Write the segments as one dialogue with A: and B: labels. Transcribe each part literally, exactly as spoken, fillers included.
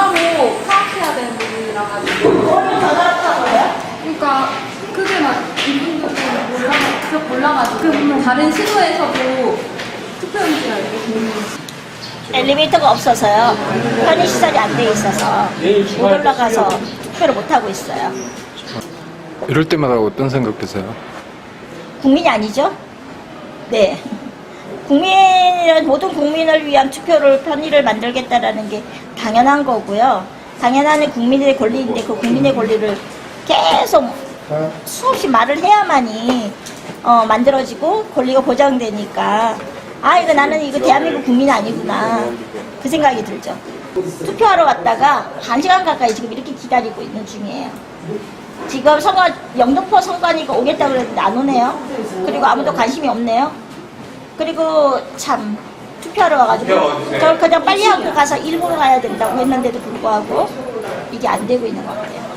A: 전화로 파악해야 되는 부분이라 가지고.
B: 오늘 전화로 파악해요?
A: 그러니까 그게 막 이분들도 몰라, 쭉 몰라가지고 다른 시도에서도 투표용지가 이렇게 되는
B: 엘리베이터가 없어서요. 편의시설이 안 돼 있어서 못 올라가서 투표를 못 하고 있어요.
C: 이럴 때마다 어떤 생각 드세요?
B: 국민이 아니죠? 네. 국민을, 모든 국민을 위한 투표를, 편의를 만들겠다라는 게 당연한 거고요. 당연한 국민의 권리인데 그 국민의 권리를 계속 수없이 말을 해야만이 어, 만들어지고 권리가 보장되니까 아, 이거 나는 이거 대한민국 국민이 아니구나. 그 생각이 들죠. 투표하러 왔다가 한 시간 가까이 지금 이렇게 기다리고 있는 중이에요. 지금 선거, 영등포 선관위가 오겠다고 그랬는데 안 오네요. 그리고 아무도 관심이 없네요. 그리고 참 투표하러 와가지고 저를 그냥 빨리 하고 가서 일부러 가야 된다고 했는데도 불구하고 이게 안 되고 있는 것 같아요.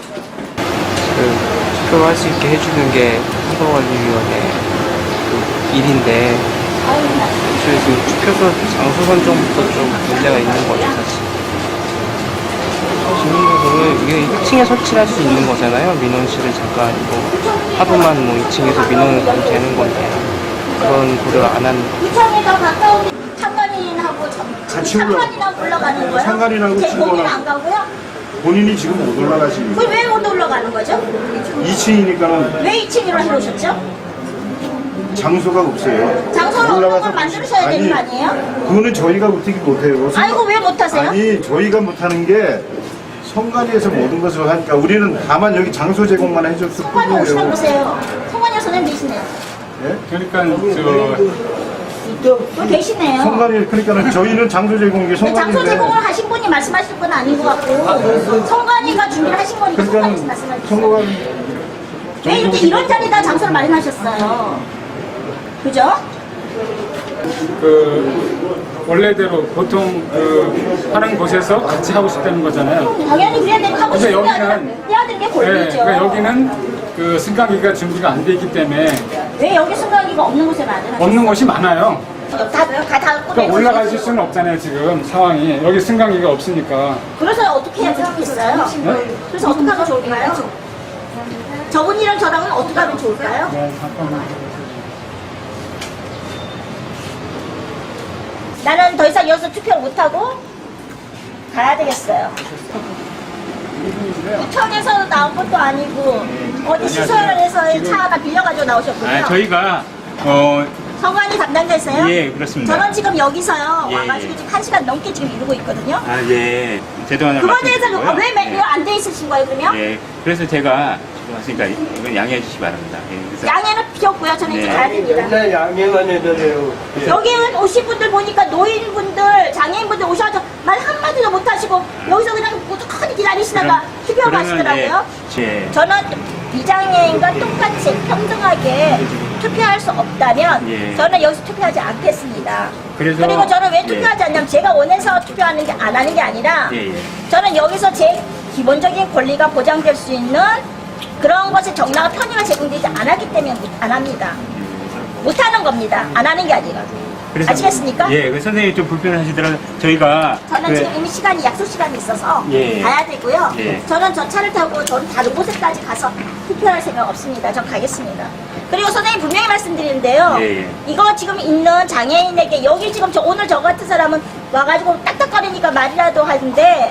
D: 그 투표할 수 있게 해주는 게 선거관리위원회 그 일인데 사실 지금 투표소 장소 선정부터 좀 문제가 있는 거죠 사실. 시민들은 이게 일 층에 설치할 수 있는 거잖아요. 민원실을 잠깐 뭐 하루만 뭐 이 층에서 민원을 가면 되는 건데 그런 고려를 안 하는.
B: 이창에서 가까운 상관인하고 상관인하고 올라가는 거예요?
E: 상관인하고
B: 제 본인
E: 친구랑-
B: 안 가고요?
E: 본인이 지금 못 올라가시는
B: 그럼 왜 못 올라가는 거죠?
E: 이 층이니까는
B: 왜 이 층으로 해놓으셨죠?
E: 장소가 없어요.
B: 장소를 없는
E: 올라가서
B: 걸 만들으셔야 되는 거 아니에요?
E: 그거는 저희가 어떻게 못해요.
B: 아이고 왜 못하세요?
E: 아니 저희가 못하는 게 선관위에서 모든 것을 하니까 우리는 다만 여기 장소 제공만 해줬을
B: 성관이 오시라
E: 뿐이에요.
B: 그러세요. 성관이 선생님 계시네요.
E: 예?
F: 그러니까 저
B: 또 계시네요.
E: 선관위 그러니까는 저희는 장소 제공이
B: 근데 장소
E: 선관위인데
B: 제공을 하신 분이 말씀하실 건 아닌 것 같고 성관이가 준비를 하신 거니까 성관이
E: 그러니까는
B: 말씀하셨어요.
E: 선거관
B: 왜 이렇게 이런 자리에다 장소를 마련하셨어요? 그죠?
F: 그 원래대로 보통 그 하는 곳에서 같이 하고 싶다는 거잖아요.
B: 당연히 그래야 되고 하고
F: 근데
B: 싶은 게 아니라
F: 여기는-
B: 해야 되는 게
F: 네,
B: 권리죠.
F: 그러니까 여기는 그 승강기가 준비가 안 돼 있기 때문에
B: 왜 여기 승강기가 없는 곳에 마련하셨어요?
F: 없는 곳이 많아요.
B: 다, 다, 다
F: 그러니까 올라가실 수는 없잖아요 지금 상황이. 여기 승강기가 없으니까.
B: 그래서 어떻게 해야 좋겠어요? 그래서 어떻게 하면 좋을까요? 저분이랑 저랑은 어떻게 하면 좋을까요?
F: 네, 잠깐만.
B: 나는 더 이상 여기서 투표를 못하고 가야 되겠어요. 구청에서 나온 것도 아니고 어디 시설에서 차 하나 빌려가지고 나오셨군요.
G: 아, 저희가 어,
B: 성관이 담당자세요?
G: 예, 그렇습니다.
B: 저는 지금 여기서요
G: 예,
B: 와가지고
G: 예.
B: 지금 한 시간 넘게 지금 이러고 있거든요.
G: 아, 예. 제도
B: 그거에 대해서 왜 매일 안 돼 있으신 거예요 그러면?
G: 예. 그래서 제가 지금 왔으니까 이건 양해해 주시기 바랍니다. 예. 그래서
B: 양해는 비었고요. 저는 이제
G: 네.
B: 가야 됩니다.
H: 맨날 양해만 해달래요.
B: 여기 오신 분들 보니까 노인분들, 장애인분들 오셔서 말 한마디도 못하시고 여기서 그냥 무조건 기다리시다가 투표하고 가시더라고요.
G: 예.
B: 저는 비장애인과 똑같이 평등하게 투표할 수 없다면
G: 예.
B: 저는 여기서 투표하지 않겠습니다.
G: 그래서-
B: 그리고 저는 왜
G: 예.
B: 투표하지 않냐면 제가 원해서 투표하는 게 안 하는 게 아니라
G: 예, 예.
B: 저는 여기서 제 기본적인 권리가 보장될 수 있는 그런 것이 정당한 편의가 제공되지 않았기 때문에 못- 안 합니다. 못 하는 겁니다. 안 하는 게 아니라.
G: 그래서-
B: 아시겠습니까?
G: 예. 그 선생님이 좀 불편하시더라도 저희가
B: 저는
G: 그-
B: 지금 이미 시간이 약속 시간이 있어서
G: 예.
B: 가야 되고요.
G: 예.
B: 저는 저 차를 타고 저는 다른 곳에까지 가서 투표할 생각 없습니다. 전 가겠습니다. 그리고 선생님 분명히 말씀드리는데요.
G: 예, 예.
B: 이거 지금 있는 장애인에게 여기 지금 저 오늘 저 같은 사람은 와가지고 딱딱거리니까 말이라도 하는데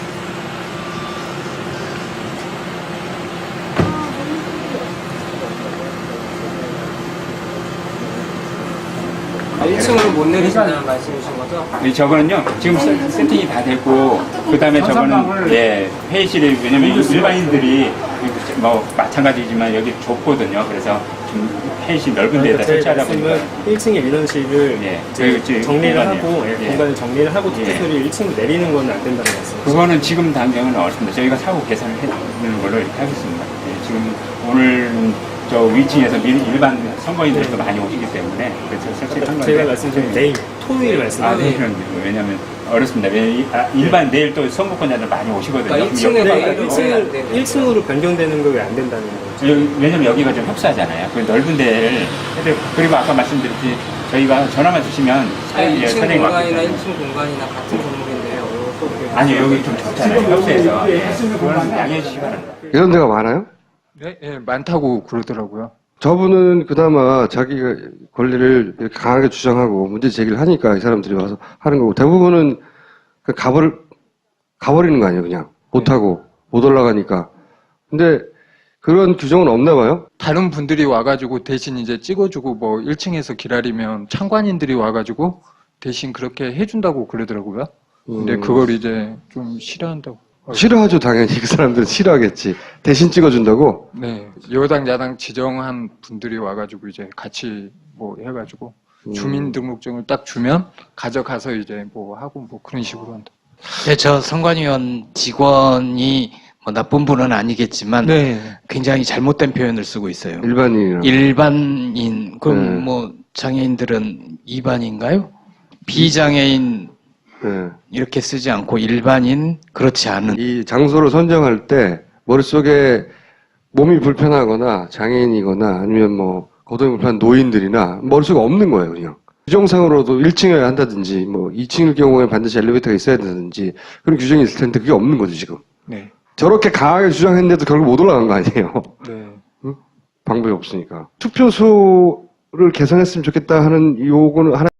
D: 일 층으로 못 내리신다는 말씀이신 거죠?
G: 이 저거는요 지금 세- 세팅이 다 됐고 그 다음에 저거는 예 회의실에 왜냐면 일반인들이 뭐 마찬가지지만 여기 좁거든요. 그래서 좀 회의실 넓은 데다 설치하다 보니까
I: 일 층의 민원실을
G: 예,
I: 이제
G: 그, 그,
I: 정리를
G: 공간이요.
I: 하고 예,
G: 예.
I: 공간을 정리를 하고
G: 예.
I: 투표소를 일 층으로 내리는 건 안 된다는 말씀.
G: 그거는 지금 당장은 어렵습니다. 저희가 사후 계산을 해드리는 걸로 이렇게 하겠습니다. 예, 지금 오늘 저 위층에서 미- 일반 선거인들도 많이 오시기 때문에 그래서 설치를 한 건데
I: 제가 말씀드린 내일 토요일
G: 아,
I: 말씀드린
G: 내일은 왜냐면 어렵습니다. 왜냐면 아, 일반 내일 또 선거권자들 많이 오시거든요.
D: 그러니까 일 층에
G: 여기-
D: 가야
I: 일 층을 일 층으로 변경되는 거 왜 안 된다는 거죠?
G: 여기- 왜냐면 여기가 좀 협소하잖아요. 그 넓은 데를 해도- 그리고 아까 말씀드렸듯이 저희가 전화만 주시면
D: 아니,
G: 예,
D: 일 층
G: 선생님
D: 공간이나
G: 왔기
D: 일 층 공간이나 같은 종목인데요. 또
G: 아니요, 여기 좀 적잖아요. 협소해서. 그건 양해해 주시기 바랍니다.
J: 이런 데가 많아요?
C: 네, 예, 많다고 그러더라고요.
J: 저분은 그나마 자기가 권리를 이렇게 강하게 주장하고 문제 제기를 하니까 이 사람들이 와서 하는 거고, 대부분은 그 가버를, 가버리는 거 아니에요, 그냥. 못하고, 못 올라가니까. 근데 그런 규정은 없나 봐요?
C: 다른 분들이 와가지고 대신 이제 찍어주고 뭐 일 층에서 기다리면 참관인들이 와가지고 대신 그렇게 해준다고 그러더라고요. 근데
J: 음.
C: 그걸 이제 좀 싫어한다고.
J: 싫어하죠, 당연히. 그 사람들은 싫어하겠지. 대신 찍어준다고?
C: 네, 여당 야당 지정한 분들이 와가지고 이제 같이 뭐 해가지고
J: 음.
C: 주민등록증을 딱 주면 가져가서 이제 뭐 하고 뭐 그런 식으로 한다.
K: 네, 저 선관위원 직원이 뭐 나쁜 분은 아니겠지만
C: 네.
K: 굉장히 잘못된 표현을 쓰고 있어요.
J: 일반인이랑.
K: 일반인, 그럼
J: 네.
K: 뭐 장애인들은 이반인가요? 비장애인
J: 네.
K: 이렇게 쓰지 않고 일반인, 그렇지 않은.
J: 이 장소를 선정할 때 머릿속에 몸이 불편하거나 장애인이거나 아니면 뭐 거동이 불편한 노인들이나 머릿속에 없는 거예요, 그냥. 규정상으로도 일 층에 한다든지 뭐 이 층일 경우에 반드시 엘리베이터가 있어야 된다든지 그런 규정이 있을 텐데 그게 없는 거죠, 지금.
C: 네.
J: 저렇게 강하게 주장했는데도 결국 못 올라간 거 아니에요.
C: 네.
J: 방법이 없으니까. 투표소를 개선했으면 좋겠다 하는 요구는 하나